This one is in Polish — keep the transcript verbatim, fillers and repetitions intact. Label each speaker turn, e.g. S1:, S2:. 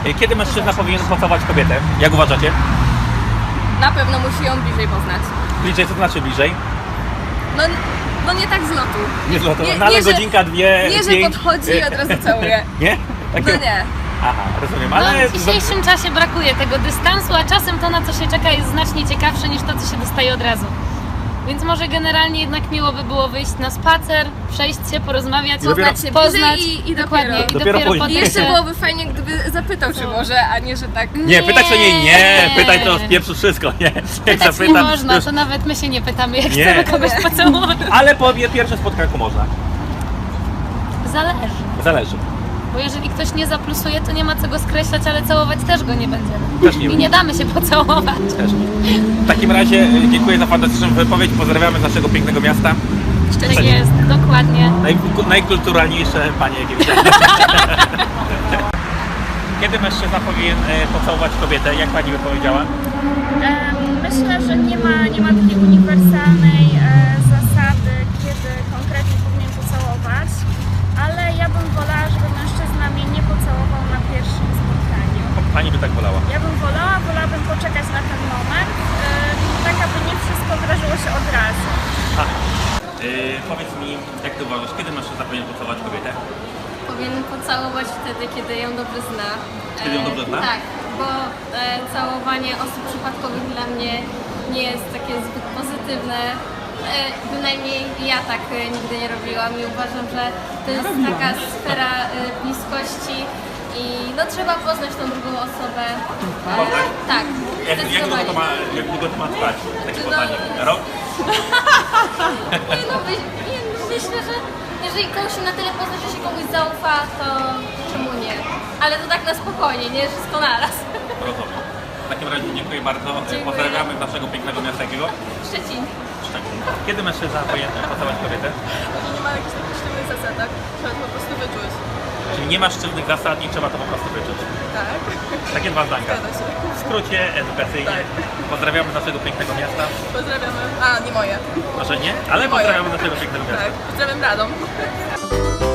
S1: Kiedy mężczyzna powinien pocałować kobietę? Jak uważacie?
S2: Na pewno musi ją bliżej poznać.
S1: Bliżej, co to znaczy bliżej?
S2: No, no nie tak z lotu.
S1: Nie złoto,
S2: Nie-
S1: no ale
S2: nie, że-
S1: godzinka, dwie,
S2: Nie, że
S1: pięć.
S2: podchodzi i od razu całuje.
S1: Nie?
S2: No
S1: Takie-
S2: nie.
S1: Aha, rozumiem,
S3: No,
S1: ale...
S3: w dzisiejszym czasie brakuje tego dystansu, a czasem to, na co się czeka, jest znacznie ciekawsze niż to, co się dostaje od razu. Więc może generalnie jednak miło by było wyjść na spacer, przejść się, porozmawiać,
S1: Dopiero-
S2: Poznać się
S3: poznać
S2: bliżej i, i
S3: dokładnie.
S2: dopiero.
S3: I
S1: Dopiero
S3: dopiero,
S1: później.
S2: I
S3: potem
S2: jeszcze
S3: się...
S2: byłoby fajnie, gdyby zapytał, czy może, a nie, że tak.
S1: Nie, pytać to nie, nie, pytać to z pieprzu wszystko, nie. Jak
S3: Pytać nie
S1: zapytam,
S3: można,
S1: już-
S3: to nawet my się nie pytamy, jak
S1: Nie.
S3: chcemy kogoś pocałować.
S1: Ale po pierwszym spotkaniu można.
S3: Zależy.
S1: Zależy.
S3: Bo jeżeli ktoś nie zaplusuje, to nie ma co go skreślać, ale całować też go nie będziemy.
S1: Też nie
S3: I nie damy się pocałować.
S1: Też nie. W takim razie e, dziękuję za fantastyczną wypowiedź, pozdrawiamy z naszego pięknego miasta.
S3: Tak jest, dokładnie.
S1: Naj, najkulturalniejsze panie, jakie widziałem. Kiedy mężczyzna powinien e, pocałować kobietę, jak pani by powiedziała?
S4: Em, Myślę, że nie ma, nie ma takiej uniwersalnej e, zasady, kiedy konkretnie powinien pocałować, ale ja bym wolała, żeby mężczyzna mnie nie pocałował na pierwszym spotkaniu.
S1: Pani by tak wolała.
S4: Ja bym wolała, wolałabym poczekać na ten moment, e, tak aby nie wszystko wydarzyło się od razu.
S1: A, e, powiedz mi, jak ty uważasz, kiedy mężczyzna powinien pocałować kobietę?
S2: Powinien pocałować wtedy, kiedy ją dobrze zna.
S1: Kiedy ją dobrze zna?
S2: E, tak, bo e, całowanie osób przypadkowych dla mnie nie jest takie zbyt pozytywne. E, bynajmniej ja tak e, nigdy nie robiłam i uważam, że to jest taka sfera e, bliskości i no trzeba poznać tą drugą osobę. E,
S1: Poznać?
S2: tak,
S1: Jak, jak, długo to ma, jak długo to ma trwać, takie
S2: No.
S1: poznanie? Rok?
S2: Nie no, my, nie, no myślę, że jeżeli komuś się na tyle pozna, że się komuś zaufa, to czemu nie? Ale to tak na spokojnie, nie wszystko naraz.
S1: Rozumiem. W takim razie dziękuję bardzo.
S2: Dziękuję.
S1: Pozdrawiamy z naszego pięknego miasta jakiego?
S2: Szczecin.
S1: Szczecin. Kiedy mężczyzna powinien pocałować kobietę?
S2: Nie ma jakichś takich sztywnych zasad, tak? Trzeba to po prostu wyczuć.
S1: Czyli nie ma sztywnych zasad i trzeba to po prostu wyczuć.
S2: Tak.
S1: Takie dwa zdanka. W skrócie, edukacyjnie. Pozdrawiamy z naszego pięknego miasta.
S2: Pozdrawiamy. A, nie moje.
S1: Może nie, ale
S2: Moje.
S1: pozdrawiamy z naszego pięknego miasta.
S2: Pozdrawiam Radom.